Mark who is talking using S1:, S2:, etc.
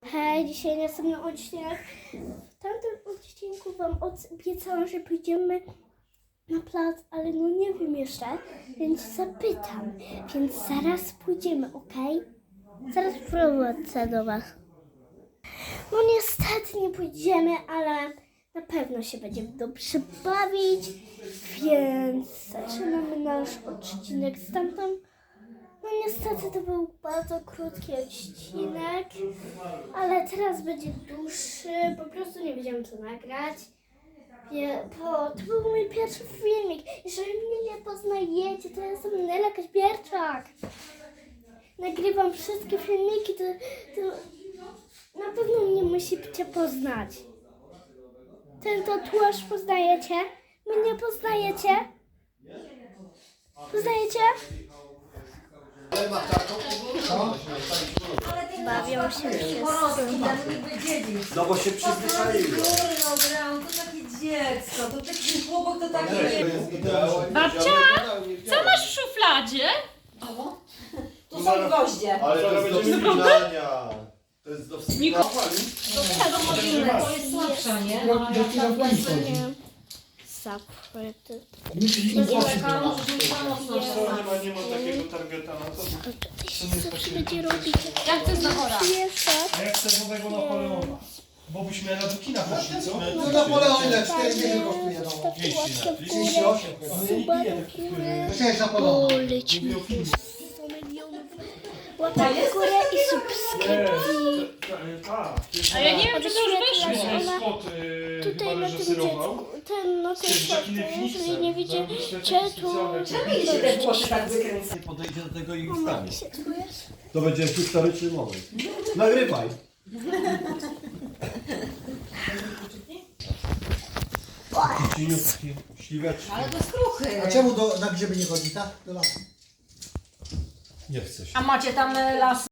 S1: Hej, dzisiaj następny odcinek. W tamtym odcinku wam obiecałam, że pójdziemy na plac, ale no nie wiem jeszcze, więc zapytam. Więc zaraz pójdziemy, ok? Zaraz wrócę do was. No niestety nie pójdziemy, ale na pewno się będziemy dobrze bawić, więc zaczynamy nasz odcinek stamtąd. No niestety to był bardzo krótki odcinek, ale teraz będzie dłuższy, po prostu nie wiedziałam co nagrać. To był mój pierwszy filmik. Jeżeli mnie nie poznajecie, to jestem Nela Kaźbierczak. Nagrywam wszystkie filmiki, to na pewno mnie musicie poznać. Ten tatuaż poznajecie? Mnie poznajecie? Poznajecie? Bawią się wszyscy.
S2: No bo się przyzwyczaiły.
S3: No Brown, to takie dziecko, to taki chłopak, to taki nie...
S4: Babcia, co masz w szufladzie?
S3: To są gwoździe.
S2: Ale to jest do wspinania. To jest do wspinania.
S3: To jest słabsza, nie?
S1: Zapyty.
S5: Nie ma takiego targeta na to.
S1: Co się będzie robić?
S4: Jak to jest na chora?
S5: A jak chcesz nowego Napoleona? Bo byśmy na do kina poszli, co?
S6: No Napoleon ile? 4 dychy kosztuje, no.
S1: Stawcie łapkę w górę.
S6: 38
S1: Suba do góry.
S6: To jest Napoleon.
S1: Polecimy 100 milionów. Łapek w górę i subskrypcji.
S4: A ja nie wiem, czy to już wyszło.
S5: Scott
S1: Tutaj
S5: chyba
S1: na tym
S5: reżyserował.
S1: dziecku, na tym
S5: Jackiem
S1: szorcie,
S5: Phoenixem.
S1: jeżeli nie widzicie, to...
S3: Czemu się te włosy tak wykręca?
S2: Podejdzie do tego i
S1: Mama,
S2: ustawi.
S1: jak się czujesz?
S2: To będzie historyczny moment. Nagrywaj. Cieniutki, śliweczki.
S3: Ale to jest kruchy.
S6: A czemu na grzyby nie chodzi, tak? Do lasu.
S2: Nie chce się.
S3: A macie tam las